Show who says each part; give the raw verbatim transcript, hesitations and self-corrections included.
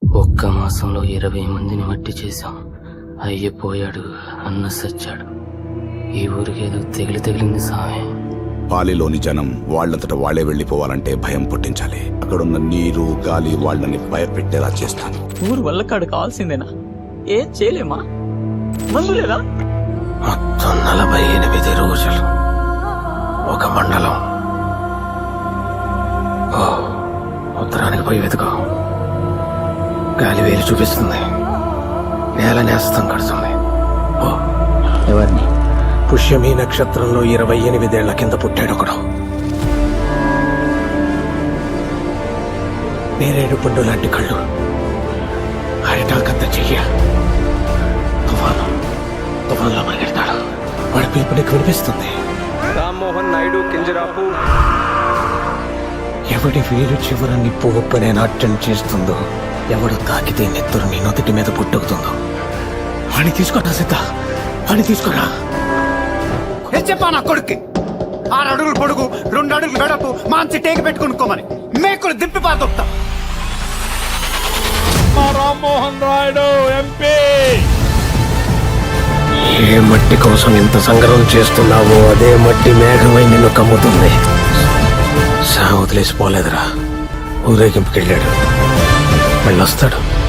Speaker 1: ఒక్క మాసంలో ఇరవై మందిని మట్టి చేశాం. అయ్యపోయాడు, అన్న సచ్చాడు. ఈ ఊరికి ఏదో తెగిలి తగిలింది సామె.
Speaker 2: పాలిలోని జనం వాళ్లంతట వాళ్లే వెళ్లిపోవాలంటే భయం పుట్టించాలి. అక్కడున్న నీరు గాలి వాళ్ళని భయపెట్టేలా చేస్తాను.
Speaker 3: ఊరు వల్లకాడు కావాల్సిందేనా? ఏం చేయలేమా? మందు లేదా?
Speaker 1: మొత్తం నలభై ఎనిమిది రోజులు ఒక మండలం. ఓ ఉత్తరానికి పోయి వెతుకో. గాలి వేలు చూపిస్తుంది, నేల నేస్తం కడుతుంది. ఓ
Speaker 3: ఎవరిని?
Speaker 1: పుష్యమీ నక్షత్రంలో ఇరవై ఎనిమిదేళ్ల కింద పుట్టాడు ఒకడు. నేరేడు పండు లాంటి కళ్ళు, అరిటాకంత చెయ్య. తుఫాను తుఫాన్లో పరిగెడతాడు. వాడి పిలుపు నీకు వినిపిస్తుంది.
Speaker 4: రామ్మోహన్ నాయుడు కింజరాపు.
Speaker 1: ఎవడి వేలు చివర నిప్పు ఉప్పనే నాట్యం చేస్తుందో, ఎవడు తాకితే నెత్తురు నీ నొదటి మీద పుట్టుకుతుందో వాడిని తీసుకోరా సిద్ధ, వాడిని తీసుకోరా.
Speaker 5: చెప్పా నా కొడుక్కి ఆరు అడుగులు పొడుగు రెండు అడుగులు వెడపు మాంచి టేకి పెట్టుకునుకోమని మేకులు దిప్పి పాతొప్తా.
Speaker 4: రామ్మోహన్ నాయుడు ఎంపీ.
Speaker 1: ఏ మట్టి కోసం ఇంత సంగ్రహం చేస్తున్నావో అదే మట్టి మేఘమై నిన్ను కమ్ముతుంది. సా వదిలేసిపోలేదురా, ఊరేగింపుకెళ్ళాడు, వెళ్ళొస్తాడు.